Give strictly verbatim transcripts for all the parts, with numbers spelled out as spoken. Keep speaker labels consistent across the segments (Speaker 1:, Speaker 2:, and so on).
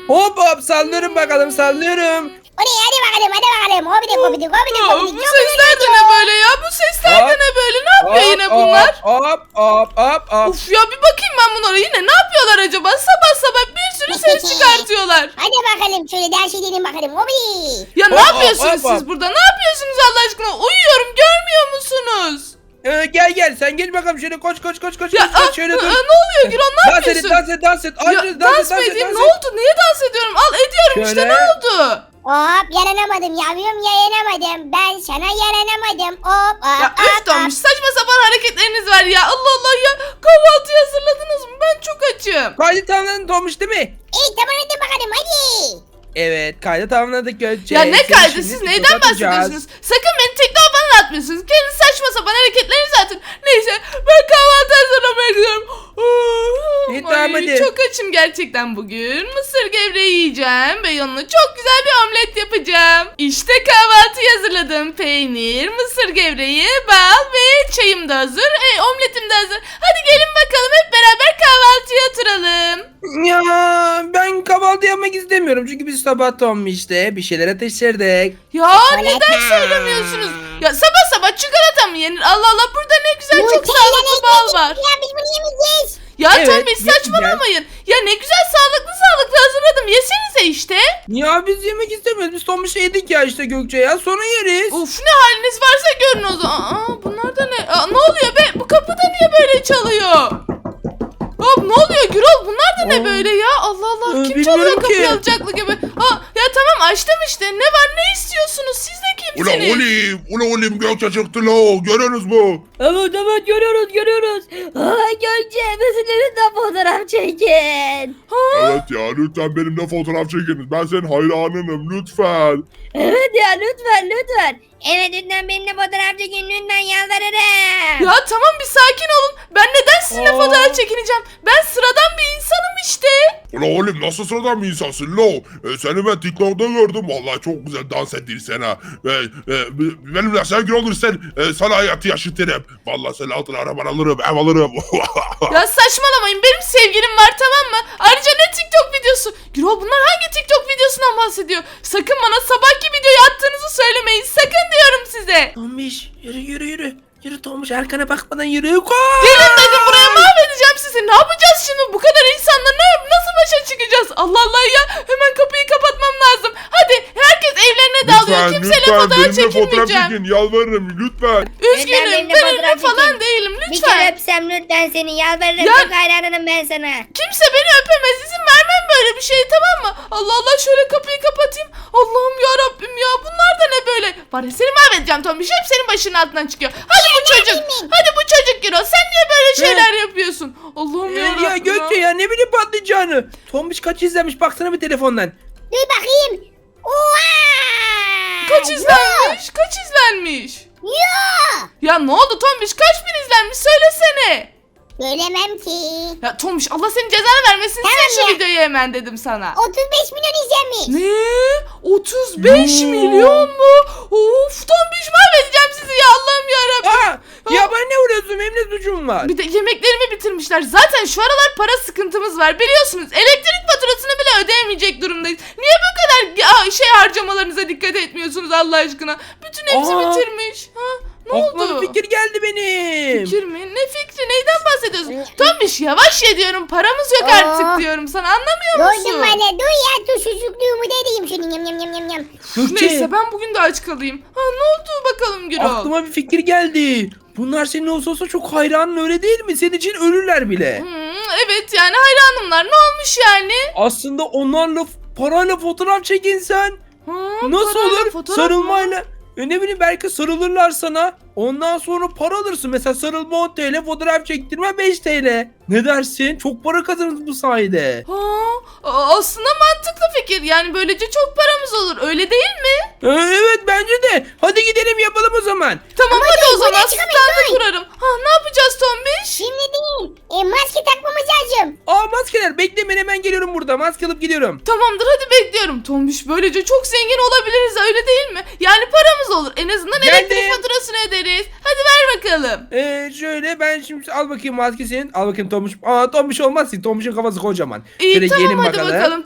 Speaker 1: Hop hop sallıyorum bakalım sallıyorum.
Speaker 2: Oraya hadi bakalım hadi bakalım. Hobidik hobidik hobidik
Speaker 3: Aa,
Speaker 2: hobidik.
Speaker 3: bu
Speaker 2: Çok
Speaker 3: sesler de
Speaker 2: güzel
Speaker 3: ne
Speaker 2: gidiyor.
Speaker 3: böyle ya? Bu sesler de
Speaker 1: Hop,
Speaker 3: ne böyle? Ne yapıyor yine bunlar?
Speaker 1: Hop hop hop hop.
Speaker 3: Of ya bir bakayım ben bunlara yine ne yapıyorlar acaba? Sabah sabah bir sürü ses çıkartıyorlar.
Speaker 2: Hadi bakalım şöyle ders edelim bakalım. Hobi.
Speaker 3: Ya ne
Speaker 1: Hop,
Speaker 3: yapıyorsunuz
Speaker 1: hop, hop.
Speaker 3: siz burada? Ne yapıyorsunuz Allah aşkına? Uyuyorum görmüyor musunuz?
Speaker 1: Ee, gel gel sen geç bakalım şöyle koş koş koş koş.
Speaker 3: Ya
Speaker 1: koş, koş,
Speaker 3: aa,
Speaker 1: şöyle
Speaker 3: aa,
Speaker 1: dur.
Speaker 3: ne oluyor Gürol ne
Speaker 1: Dans et
Speaker 3: yapıyorsun?
Speaker 1: dans et dans et.
Speaker 3: Ya,
Speaker 1: Ayrıca
Speaker 3: dans
Speaker 1: et,
Speaker 3: mı
Speaker 1: et,
Speaker 3: edeyim?
Speaker 1: dans
Speaker 3: Ne
Speaker 1: et.
Speaker 3: oldu? Niye dans ediyorum? Al ediyorum işte
Speaker 1: Şöyle.
Speaker 3: ne oldu?
Speaker 2: Hop yaranamadım yavrum yaranamadım. Ben sana yaranamadım. Hop hop
Speaker 3: Ya
Speaker 2: hop
Speaker 3: üf
Speaker 2: hop.
Speaker 3: Tomuş saçma sapan hareketleriniz var ya. Allah Allah ya. Kahvaltıyı hazırladınız mı? Ben çok açım.
Speaker 1: Kaydı tamamladın Tomuş değil mi?
Speaker 2: İyi tamam hadi bakalım hadi.
Speaker 1: Evet kaydı tamamladık Gökçe.
Speaker 3: Ya ne
Speaker 1: Seni
Speaker 3: kaydı
Speaker 1: şimdi
Speaker 3: siz
Speaker 1: TikTok'a
Speaker 3: neyden
Speaker 1: atacağız.
Speaker 3: bahsediyorsunuz? Sakın beni TikTok'a falan atmıyorsunuz. Kendi saçma sapan hareketlerinizi atın. Neyse ben kahvaltı hazırlamaya gidiyorum.
Speaker 1: İyi,
Speaker 3: Ay,
Speaker 1: tamam, hadi.
Speaker 3: çok açım gerçekten bugün. Mısır gevreği yiyeceğim ve yanına çok güzel bir omlet yapacağım. İşte kahvaltıyı hazırladım. Peynir, mısır gevreği, bal ve çayım da hazır. E, omletim de hazır. Hadi gelin bakalım hep beraber kahvaltıya oturalım.
Speaker 1: Ya ben kahvaltı yapmak istemiyorum çünkü biz sabah Tomiş'te bir şeyler ateşlerdik.
Speaker 3: Ya
Speaker 2: Çikolata.
Speaker 3: neden söylemiyorsunuz? Ya sabah sabah çikolata mı yenir? Allah Allah burada ne güzel çok
Speaker 2: Nutella
Speaker 3: sağlıklı bal var.
Speaker 2: Ya biz bunu yemeyeceğiz.
Speaker 3: Ya
Speaker 1: Evet,
Speaker 3: tabii
Speaker 1: yiyeceğiz.
Speaker 3: saçmalamayın. Ya ne güzel sağlıklı sağlıklı hazırladım. Yesenize işte.
Speaker 1: Ya biz yemek istemiyoruz. Biz Tomiş'e yedik ya işte Gökçe ya. Sonra yeriz.
Speaker 3: Uf ne haliniz varsa görün o zaman. Aa, bunlar da ne? Aa, ne oluyor be? Bu kapı da niye böyle çalıyor? Hop ne oluyor Gürol? Bunlar da ne
Speaker 1: Aa.
Speaker 3: böyle ya? Allah Allah.
Speaker 1: Ee,
Speaker 3: Kim
Speaker 1: bilmiyorum
Speaker 3: çalıyor kapıyı
Speaker 1: ki.
Speaker 3: alacaklı gibi? Aa, ya tamam açtım işte. Ne var ne istiyorsunuz? Siz de
Speaker 4: Ula
Speaker 3: kimsiniz?
Speaker 4: olim, ula olim Gökçe çıktı la, görüyorsunuz mu?
Speaker 5: Evet evet görüyoruz görüyoruz. Aa Gökçe bizimle fotoğraf çekin.
Speaker 4: Evet ya lütfen benimle fotoğraf çekiniz. Ben senin hayranınım lütfen.
Speaker 5: Evet ya lütfen lütfen. Evet lütfen benimle fotoğraf çekin lütfen yalvarırım.
Speaker 3: Ya tamam bir sakin olun. Ben neden sizinle
Speaker 1: Aa.
Speaker 3: fotoğraf çekineceğim? Ben sıradan bir insanım işte.
Speaker 4: Ula olim nasıl sıradan bir insansın lo? E, seni ben TikTok'ta gördüm. Vallahi çok güzel dans ettin ha. E, e, benimle sevgili olursan e, sana hayatı yaşatırım. Vallahi senin altına araban alırım, ev alırım.
Speaker 3: Ya saçmalamayın benim sevgilim var tamam mı? Ayrıca ne TikTok videosu? Gürol bunlar hangi TikTok videosundan bahsediyor? Sakın bana sabahki videoyu attığınızı söylemeyin. Sakın diyorum size.
Speaker 1: Tomiş yürü yürü yürü. Yürü Tomiş arkana bakmadan yürü. Koş.
Speaker 3: Gelin dedim buraya mahvedeceğim sizi. Ne yapacağız şimdi? Bu kadar insanla ne nasıl başa çıkacağız? Allah Allah ya. Hemen kapıyı kapatmam lazım. Hadi herkes evlerine dağılıyor.
Speaker 4: lütfen
Speaker 3: Kimseyle
Speaker 4: lütfen
Speaker 3: fotoğraf
Speaker 4: benimle fotoğraf
Speaker 3: çekinmeyeceğim.
Speaker 4: çekin yalvarırım lütfen.
Speaker 3: Üzgünüm
Speaker 5: benimle
Speaker 3: ben ünlü
Speaker 5: fotoğraf
Speaker 3: falan
Speaker 5: çekin.
Speaker 3: değilim
Speaker 5: Bir kere
Speaker 3: lütfen.
Speaker 5: öpsem lütfen seni yalvarırım
Speaker 3: Ya-
Speaker 5: çok hayranım ben sana.
Speaker 3: Kimse beni öpemez. İzin vermem böyle bir şey tamam mı? Allah Allah şöyle kapıyı kapatayım. Allah'ım ya Rabbim ya. Bunlar da ne böyle? Var ya seni mahvedeceğim Tombiş. Hep senin başının altından çıkıyor. Hadi bu çocuk. Hadi bu çocuk Giro. Sen niye böyle şeyler yapıyorsun? Allah'ım
Speaker 1: Ee,
Speaker 3: ya
Speaker 1: ya
Speaker 3: Rabbim
Speaker 1: Gökçe ya ne bileyim patlayacağını. Tomiş kaç izlemiş baksana bir telefondan.
Speaker 2: Dur bakayım. Oha.
Speaker 3: Kaç izlenmiş? Kaç izlenmiş?
Speaker 2: Yo.
Speaker 3: Ya ne oldu Tombiş? Kaç bin izlenmiş? Söylesene.
Speaker 2: Söylemem ki.
Speaker 3: Ya Tombiş Allah senin cezanı vermesin.
Speaker 2: Tamam
Speaker 3: Sil şu
Speaker 2: ya.
Speaker 3: videoyu hemen dedim sana.
Speaker 2: otuz beş milyon izlenmiş.
Speaker 3: Ne? otuz beş
Speaker 1: Yoo.
Speaker 3: milyon mu? Of Tombiş mahvedeceğim sizi ya Allah'ım yarabbim.
Speaker 1: Aa, ya ben ne uğraşıyorum benim ne suçum var.
Speaker 3: Bir de yemeklerimi bitirmişler. Zaten şu aralar para sıkıntımız var biliyorsunuz. Elektrik faturasını bile ödeyemeyecek durumdayız. Niye bu kadar ya- şey harcamalarınıza dikkat etmiyorsunuz Allah aşkına? Bütün hepsi
Speaker 1: Aa.
Speaker 3: bitirmiş. Ha? Ne
Speaker 1: Aklıma
Speaker 3: oldu?
Speaker 1: bir fikir geldi benim.
Speaker 3: Fikir mi? Ne fikri? Neyden bahsediyorsun? Tombiş yavaş ye diyorum. Paramız yok
Speaker 2: Aa.
Speaker 3: artık diyorum sana. Anlamıyor
Speaker 2: Duydum
Speaker 3: musun?
Speaker 2: bana. Dur ya dur susuzluğumu da edeyim şunu yam yam yam yam yam.
Speaker 1: Gökçe
Speaker 3: Neyse ben bugün de aç kalayım. Ha ne oldu bakalım Gürol?
Speaker 1: aklıma bir fikir geldi. Bunlar senin olsa olsa çok hayranın öyle değil mi? Senin için ölürler bile.
Speaker 3: Hmm, evet yani hayranımlar. Ne olmuş yani?
Speaker 1: Aslında onlarla parayla fotoğraf çekinsen
Speaker 3: Ha,
Speaker 1: nasıl
Speaker 3: parayla
Speaker 1: olur?
Speaker 3: fotoğraf mı?
Speaker 1: Sarılmayla. E ne bileyim belki sarılırlar sana. Ondan sonra para alırsın. Mesela sarılma on T L, fotoğraf çektirme beş T L. Ne dersin? Çok para kazanırız bu sayede.
Speaker 3: Ha, a- aslında mantıklı fikir. Yani böylece çok paramız olur. Öyle değil mi?
Speaker 1: E, evet bence de. Hadi gidelim yapalım o zaman.
Speaker 3: Tamam hadi o
Speaker 2: dur,
Speaker 3: zaman
Speaker 2: buraya çıkamayız,
Speaker 3: standı
Speaker 2: dur.
Speaker 3: kurarım. Ha ne yapacağız Tombiş?
Speaker 2: Şimdi değil. E, maske takmamız lazım.
Speaker 1: Aa maskeler bekle ben hemen geliyorum burada. Maske alıp gidiyorum.
Speaker 3: Tamamdır hadi bekliyorum. Tombiş böylece çok zengin olabiliriz öyle değil mi? Yani paramız olur. En azından
Speaker 1: Geldim.
Speaker 3: elektrik faturasını öderiz. Hadi ver bakalım.
Speaker 1: Ee, şöyle ben şimdi al bakayım maske senin. Al bakayım Tomuş. Aa Tomuş olmaz ki. Tomuş'un kafası kocaman.
Speaker 3: İyi
Speaker 1: Şöyle
Speaker 3: tamam
Speaker 1: gelin
Speaker 3: hadi bakalım.
Speaker 1: bakalım.
Speaker 3: Taktım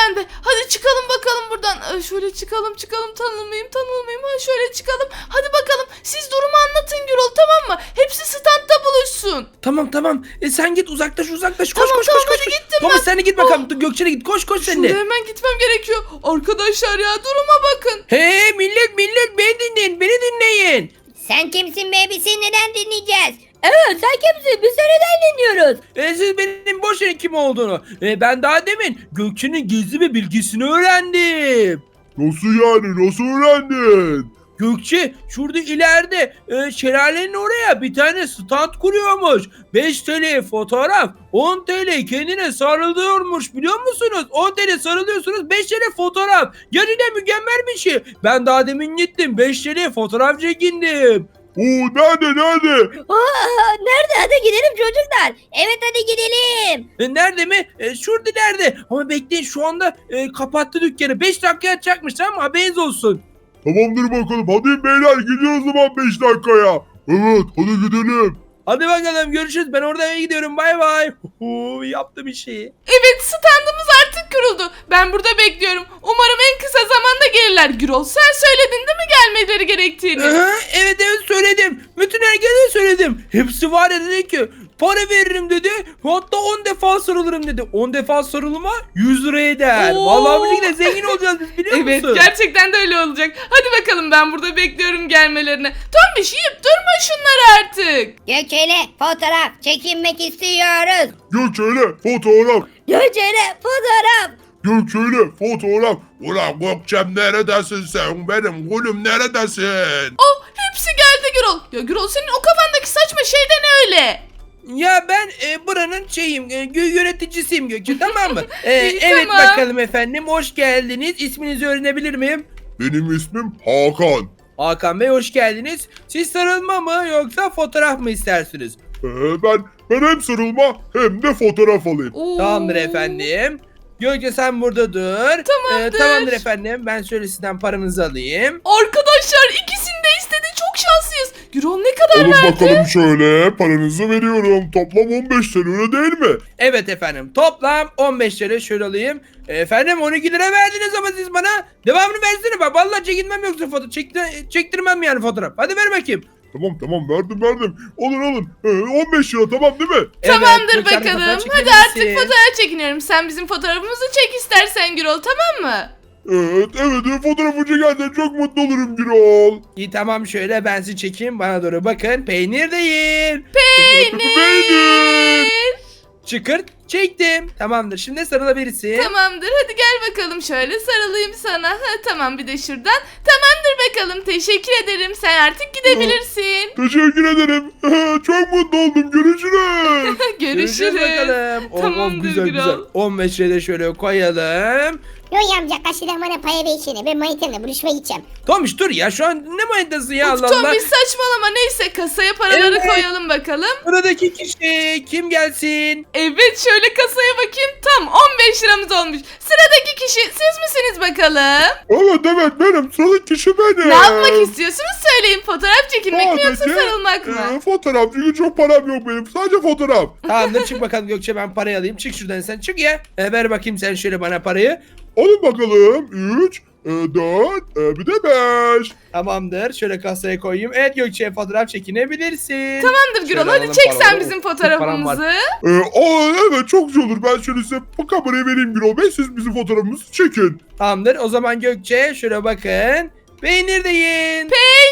Speaker 3: bende. Hadi çıkalım bakalım buradan. Ee, şöyle çıkalım çıkalım tanılmayayım tanılmayayım. Ha, şöyle çıkalım. Hadi bakalım siz durumu anlatın Gürol, tamam mı? Hepsi standta buluşsun.
Speaker 1: Tamam tamam. E, sen git uzaklaş uzaklaş. Koş
Speaker 3: Tamam,
Speaker 1: koş
Speaker 3: tamam,
Speaker 1: koş koş.
Speaker 3: hadi gittim
Speaker 1: Thomas
Speaker 3: ben.
Speaker 1: sen de git bakalım. Dur, Gökçen'e git. Koş koş sen
Speaker 3: Şuraya
Speaker 1: de.
Speaker 3: hemen gitmem gerekiyor. Arkadaşlar ya duruma bakın.
Speaker 1: Hey millet millet beni dinleyin. Beni dinleyin.
Speaker 5: Sen kimsin be? Biz seni neden dinleyeceğiz? Evet sen kimsin? Biz seni neden dinliyoruz?
Speaker 1: E, siz benim boş yerin kim olduğunu. E, ben daha demin Gökçe'nin gizli bir bilgisini öğrendim.
Speaker 4: Nasıl yani? Nasıl öğrendin?
Speaker 1: Gökçe şurada ileride e, şelalenin oraya bir tane stand kuruyormuş. beş TL fotoğraf, on TL kendine sarılıyormuş biliyor musunuz? on TL sarılıyorsunuz, beş TL fotoğraf. Gerçekten mükemmel bir şey. Ben daha demin gittim, beş TL fotoğraf çekindim.
Speaker 4: Oo nerede nerede?
Speaker 5: Aa, nerede? Hadi gidelim çocuklar. Evet hadi gidelim.
Speaker 1: E, nerede mi? E, şurada nerede? Ama bekleyin şu anda e, kapattı dükkanı. beş dakika açacakmış tamam mı? Haberiniz olsun.
Speaker 4: Tamamdır bakalım. Hadi beyler gidiyoruz o zaman beş dakikaya. Evet hadi gidelim.
Speaker 1: Hadi bakalım görüşürüz. Ben orada eve gidiyorum. Bay bay. Huhu, yaptım işi.
Speaker 3: Evet standımız artık kuruldu. Ben burada bekliyorum. Umarım en kısa zamanda gelirler. Gürol sen söyledin değil mi gelmeleri gerektiğini?
Speaker 1: Aha, evet evet söyledim. Bütün herkese söyledim. Hepsi var ya dedi ki para veririm dedi. Hatta on defa sarılırım dedi. on defa sarılma yüz lira eder.
Speaker 3: Oo.
Speaker 1: Vallahi bu şekilde zengin olacağız biz biliyor
Speaker 3: Evet
Speaker 1: musun?
Speaker 3: gerçekten de öyle olacak. Hadi bakalım ben burada bekliyorum gelmelerini. Tombiş yiyip durma şunları artık.
Speaker 5: Gökçe'yle fotoğraf çekinmek istiyoruz.
Speaker 4: Gökçe'yle fotoğraf.
Speaker 5: Gökçe'yle fotoğraf.
Speaker 4: Gökçe'yle fotoğraf. Ulan Gökçem neredesin sen? Benim gülüm neredesin?
Speaker 3: Oh hepsi geldi Gürol. Ya Gürol senin o kafandaki saçma şey de ne öyle?
Speaker 1: Ya ben e, buranın şeyim, e, gö- yöneticisiyim Gökçe tamam mı? E,
Speaker 3: İyi,
Speaker 1: evet
Speaker 3: tamam.
Speaker 1: bakalım efendim hoş geldiniz. İsminizi öğrenebilir miyim?
Speaker 4: Benim ismim Hakan.
Speaker 1: Hakan Bey hoş geldiniz. Siz sarılma mı yoksa fotoğraf mı istersiniz?
Speaker 4: Ee, ben ben hem sarılma hem de fotoğraf alayım.
Speaker 3: Oo.
Speaker 1: Tamamdır efendim. Gökçe sen burada dur.
Speaker 3: Tamamdır.
Speaker 1: Ee, tamamdır efendim. Ben şöyle sizden paranızı alayım.
Speaker 3: Arkadaşlar ikisini de istedi. Çok şanslıyız. Gürol ne kadar
Speaker 4: Alın
Speaker 3: verdi?
Speaker 4: bakalım şöyle paranızı veriyorum. Toplam on beş lira öyle değil mi?
Speaker 1: Evet efendim. Toplam on beş lira şöyle alayım. Efendim on iki lira verdiniz ama siz bana. Devamını versene bak. Vallahi çekinmem yoksa foto çekti- çektirmem yani fotoğraf. Hadi ver bakayım.
Speaker 4: Tamam tamam verdim verdim. Alın alın. Ee, on beş lira tamam değil mi?
Speaker 3: Tamamdır
Speaker 1: Gökçe Hanım,
Speaker 3: bakalım.
Speaker 1: fotoğraf
Speaker 3: Hadi
Speaker 1: çekebilirsin.
Speaker 3: artık fotoğraf çekiniyorum. Sen bizim fotoğrafımızı çek istersen Gürol tamam mı?
Speaker 4: Evet evet fotoğrafı çekersen çok mutlu olurum Gürol.
Speaker 1: İyi tamam şöyle ben sizi çekeyim. Bana doğru bakın. Peynir değil.
Speaker 4: Peynir.
Speaker 1: Çıkırt. Çektim. Tamamdır. Şimdi sarılabilirsin.
Speaker 3: Tamamdır hadi gel bakalım şöyle sarılayım sana. Ha, tamam bir de şuradan. Tamamdır bakalım teşekkür ederim. Sen artık gidebilirsin.
Speaker 4: Teşekkür ederim. Çok mutlu oldum. Görüşürüz.
Speaker 3: Görüşürüz.
Speaker 1: bakalım. Oh, oh,
Speaker 3: Tamamdır
Speaker 1: güzel
Speaker 3: Gürol.
Speaker 1: güzel. on beş lira şöyle koyalım.
Speaker 2: Yoy amca kaçıdan bana para versene. Ben manitamla buluşmaya gideceğim.
Speaker 1: Tomiş dur ya şu an ne manitası ya
Speaker 3: Of,
Speaker 1: Allah
Speaker 3: Tom
Speaker 1: Allah.
Speaker 3: bir saçmalama neyse kasaya paraları
Speaker 1: Evet.
Speaker 3: koyalım bakalım.
Speaker 1: Buradaki kişi kim gelsin?
Speaker 3: Evet şöyle kasaya bakayım tam on beş liramız olmuş. Sıradaki kişi siz misiniz bakalım?
Speaker 4: Evet evet benim. Sıradaki kişi benim.
Speaker 3: Ne yapmak istiyorsunuz söyleyin fotoğraf çekilmek mi yoksa
Speaker 4: Sadece,
Speaker 3: sarılmak mı?
Speaker 4: e, fotoğraf çünkü çok param yok benim. Sadece fotoğraf.
Speaker 1: Tamamdır çık bakalım Gökçe ben parayı alayım. Çık şuradan sen çık ya. E, ver bakayım sen şöyle bana parayı.
Speaker 4: Alın bakalım. üç, dört, bir de beş.
Speaker 1: Tamamdır şöyle kasaya koyayım. Evet Gökçe fotoğraf çekinebilirsin.
Speaker 3: Tamamdır Gürol
Speaker 1: Şöyle
Speaker 3: hadi
Speaker 1: alalım
Speaker 3: çek sen
Speaker 1: paraları.
Speaker 3: bizim
Speaker 1: Çok param var.
Speaker 3: fotoğrafımızı.
Speaker 4: Ee, aa, evet çok güzel olur. Ben şöyle size bu kamerayı vereyim Gürol Bey. Siz bizim fotoğrafımızı çekin.
Speaker 1: Tamamdır o zaman Gökçe şöyle bakın. Peynir de yiyin.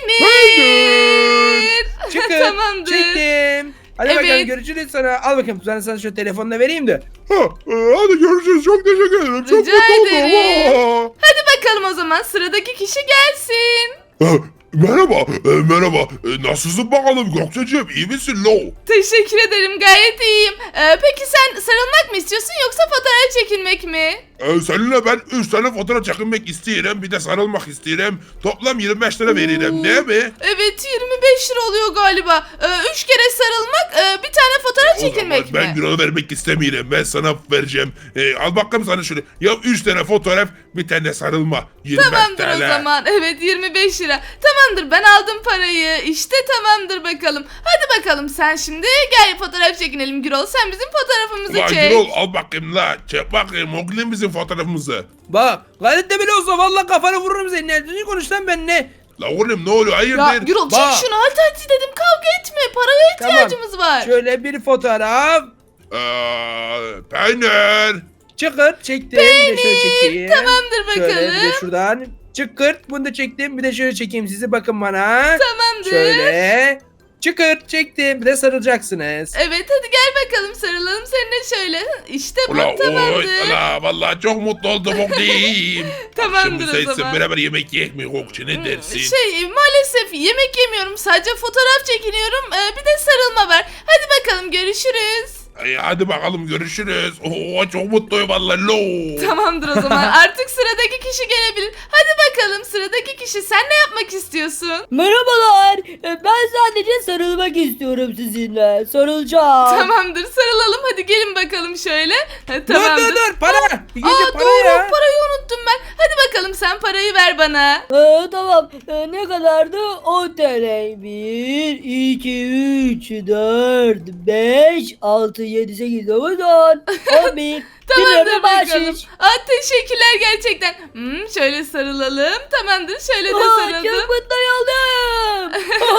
Speaker 3: Peynir.
Speaker 1: Çıkın.
Speaker 3: Tamamdır.
Speaker 1: Çektim. Hadi
Speaker 3: Evet.
Speaker 1: bakalım görüşürüz sana. Al bakayım ben sana şu telefonla vereyim de.
Speaker 4: Ha, e, hadi görüşürüz. Çok teşekkür ederim. Çok
Speaker 3: Rica
Speaker 4: mutlu oldum.
Speaker 3: ederim.
Speaker 4: Aa.
Speaker 3: Hadi bakalım o zaman sıradaki kişi gelsin.
Speaker 4: Ha, merhaba. e, merhaba. E, nasılsın bakalım Gökçeciğim? İyi misin lo?
Speaker 3: Teşekkür ederim gayet iyiyim. Ee, peki sen sarılmak mı istiyorsun yoksa fotoğraf çekilmek mi?
Speaker 4: E, seninle ben üç tane fotoğraf çekinmek isterim. Bir de sarılmak isterim. Toplam yirmi beş lira veririm.
Speaker 3: Oo.
Speaker 4: Değil mi?
Speaker 3: Evet yirmi beş lira oluyor galiba. Ee, üç kere sarılmak, e, bir tane fotoğraf
Speaker 4: O zaman
Speaker 3: çekilmek
Speaker 4: ben
Speaker 3: mi?
Speaker 4: Gürol'a vermek istemiyorum. Ben sana vereceğim. E, al bakalım sana şöyle. Ya üç tane fotoğraf bir tane sarılma. yirmi beş
Speaker 3: Tamamdır
Speaker 4: T L.
Speaker 3: o zaman. Evet yirmi beş lira. Tamam tamamdır, ben aldım parayı. İşte tamamdır bakalım. Hadi bakalım sen şimdi gel fotoğraf çekinelim Gürol. Sen bizim fotoğrafımızı
Speaker 4: Ulan
Speaker 3: çek.
Speaker 4: Gürol al bakayım la. Çek bakayım oğlum bizim fotoğrafımızı.
Speaker 1: Bak gayret de bile olsa vallahi kafanı vururum senin. Ne düzgün konuş lan benimle.
Speaker 4: La oğlum ne oluyor
Speaker 3: Ya
Speaker 4: hayırdır?
Speaker 3: Gürol çek
Speaker 1: Bak.
Speaker 3: şunu, hadi hadi dedim, kavga etme, paraya ihtiyacımız var.
Speaker 1: Şöyle bir fotoğraf.
Speaker 4: Eee peynir.
Speaker 1: Çıkırt çektim. Bir de şöyle çekeyim.
Speaker 3: Tamamdır
Speaker 1: Şöyle bir de
Speaker 3: bakalım.
Speaker 1: şuradan. Çıkırt bunu da çektim. Bir de şöyle çekeyim sizi, bakın bana.
Speaker 3: Tamamdır.
Speaker 1: Şöyle. Çıkırt çektim. Bir de sarılacaksınız.
Speaker 3: Evet hadi gel bakalım, sarılalım seninle şöyle. İşte bu
Speaker 4: Ula oy
Speaker 3: tamamdır.
Speaker 4: ula vallahi çok mutlu oldum oğlum.
Speaker 3: Tamamdır
Speaker 4: Şimdi
Speaker 3: o
Speaker 4: sensin
Speaker 3: zaman.
Speaker 4: beraber yemek yiyek mi Kokçu ne dersin?
Speaker 3: Şey maalesef yemek yemiyorum, sadece fotoğraf çekiniyorum. Ee, bir de sarılma var. Hadi bakalım görüşürüz.
Speaker 4: Ay, hadi bakalım görüşürüz. Oo çok mutluyum vallahi lo.
Speaker 3: Tamamdır o zaman, artık sıradaki kişi gelebilir. Hadi bakalım sıradaki kişi, sen ne yapmak istiyorsun?
Speaker 5: Merhabalar. E, Ben sadece sarılmak istiyorum sizinle. Sarılacağım.
Speaker 3: Tamamdır sarılalım, hadi gelin bakalım şöyle. Ha,
Speaker 1: Dur
Speaker 3: tamamdır.
Speaker 1: dur dur para. Bir
Speaker 3: Aa
Speaker 1: gece para
Speaker 3: doğru,
Speaker 1: ya.
Speaker 3: parayı unuttum ben. Hadi bakalım sen parayı ver bana.
Speaker 5: Ee, tamam. Ee, ne kadardı? on T L. bir, iki, üç, dört, beş, altı, yedi, sekiz, dokuz, on. on bir.
Speaker 3: Tamamdır
Speaker 5: Bir
Speaker 3: bakalım.
Speaker 5: bahşiş.
Speaker 3: Aa, teşekkürler gerçekten. Hmm, şöyle sarılalım. Tamamdır şöyle de
Speaker 5: Aa,
Speaker 3: sarıldım.
Speaker 5: çok mutlu oldum.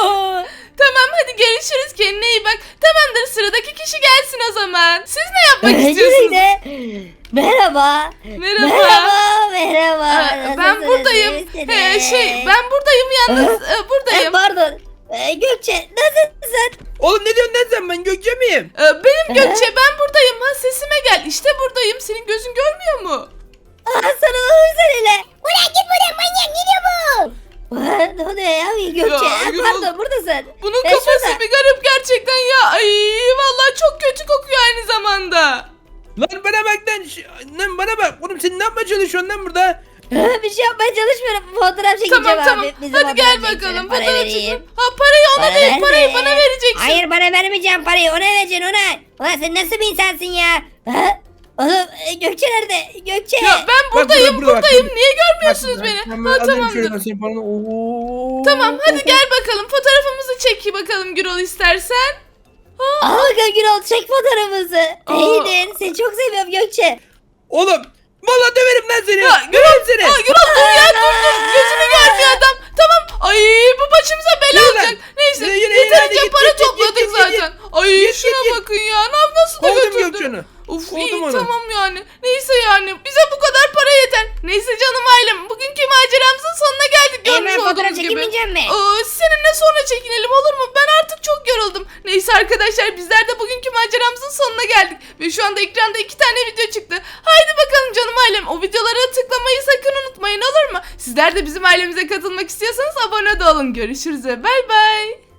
Speaker 3: Tamam hadi görüşürüz, kendine iyi bak. Tamamdır sıradaki kişi gelsin o zaman. Siz ne yapmak
Speaker 5: Öncelikle
Speaker 3: istiyorsunuz?
Speaker 5: merhaba.
Speaker 3: Merhaba.
Speaker 5: Merhaba. Merhaba.
Speaker 3: Aa, ben
Speaker 5: Nasılsınız,
Speaker 3: buradayım.
Speaker 5: iyisiniz?
Speaker 3: Ee, şey ben buradayım yalnız. Ee,
Speaker 5: Ee,
Speaker 3: buradayım.
Speaker 5: pardon. Ee, Gökçe nasılsın?
Speaker 1: Oğlum ne diyorsun lan sen, ben Gökçe miyim?
Speaker 3: Ee, benim Gökçe, ben buradayım. Ha sesime gel. İşte buradayım. Senin gözün görmüyor mu?
Speaker 5: Aa, sarılalım seninle.
Speaker 2: Ulan git buradan manyak, ne diyor bu?
Speaker 5: Aa, ne oluyor ya Gökçe?
Speaker 3: Ya,
Speaker 5: Aa,
Speaker 3: Gürol.
Speaker 5: pardon buradasın.
Speaker 3: Bunun
Speaker 5: E,
Speaker 3: kafası
Speaker 5: şurada.
Speaker 3: bir garip gerçekten ya. Ay vallahi çok kötü kokuyor aynı zamanda.
Speaker 1: Lan bana bak lan. Ş- Lan bana bak. Oğlum sen ne yapmaya çalışıyorsun lan burada?
Speaker 5: Aa, bir şey yapmaya çalışmıyorum. Fotoğraf çekeceğim
Speaker 3: Tamam
Speaker 5: abi.
Speaker 3: tamam.
Speaker 5: Bizim
Speaker 3: Hadi gel
Speaker 5: fotoğraf çekeceğim,
Speaker 3: bakalım.
Speaker 5: para
Speaker 3: Fotoğraf
Speaker 5: vereyim.
Speaker 3: çekelim. Ha parayı ona
Speaker 5: Para
Speaker 3: değil. Parayı
Speaker 5: verme.
Speaker 3: bana vereceksin.
Speaker 5: Hayır bana vermeyeceğim parayı. Ona vereceksin ona. Ulan sen nasıl bir insansın ya? Ha? Oğlum e, Gökçe nerede? Gökçe.
Speaker 3: Ya ben
Speaker 1: burada,
Speaker 3: buradayım
Speaker 1: burada, bak,
Speaker 3: buradayım.
Speaker 1: burada.
Speaker 3: Niye görmüyorsunuz
Speaker 1: Bak,
Speaker 3: beni?
Speaker 1: ben
Speaker 3: Ha
Speaker 1: alayım şöyle
Speaker 3: tamamdır.
Speaker 1: senin paranı. Oo.
Speaker 3: Tamam hadi gel bakalım. Fotoğrafımızı çek bakalım Gürol istersen.
Speaker 5: Al bakalım Gürol çek fotoğrafımızı.
Speaker 3: Aa.
Speaker 5: İyidir. Seni çok seviyorum Gökçe.
Speaker 1: Oğlum vallahi döverim lan seni.
Speaker 3: Ya
Speaker 1: Döverim seni.
Speaker 3: Aa, Gürol dur ya dur dur. Gözünü görmüyor adam. Tamam. Ay bu başımıza bela
Speaker 1: Yürü lan.
Speaker 3: olacak. Neyse
Speaker 1: Yürü, yürü,
Speaker 3: yeterince
Speaker 1: hadi git,
Speaker 3: para
Speaker 1: git, git,
Speaker 3: topladık
Speaker 1: git, git,
Speaker 3: zaten. Ay
Speaker 1: Git,
Speaker 3: şuna
Speaker 1: git, git.
Speaker 3: bakın ya. Ne yap- nasıl da
Speaker 1: Kovdum
Speaker 3: götürdün?
Speaker 1: Gökçen'i.
Speaker 3: Of
Speaker 1: Kovdum
Speaker 3: iyi
Speaker 1: onu.
Speaker 3: tamam yani. Neyse yani bize bu kadar para yeter. Neyse canım ailem bugünkü maceramızın sonuna geldik.
Speaker 5: Hemen
Speaker 3: Görmüş
Speaker 5: fotoğraf
Speaker 3: olduğunuz gibi.
Speaker 5: çekemeyeceğim mi?
Speaker 3: Aa, seninle sonra çekinelim olur mu? Ben artık çok yoruldum. Neyse arkadaşlar bizler de bugünkü maceramızın sonuna geldik. Ve şu anda ekranda iki tane video çıktı. Haydi bakalım canım ailem. O videolara tıklamayı sakın unutmayın olur mu? Sizler de bizim ailemize katılmak istiyorsanız abone de olun. Görüşürüz ve bay bay.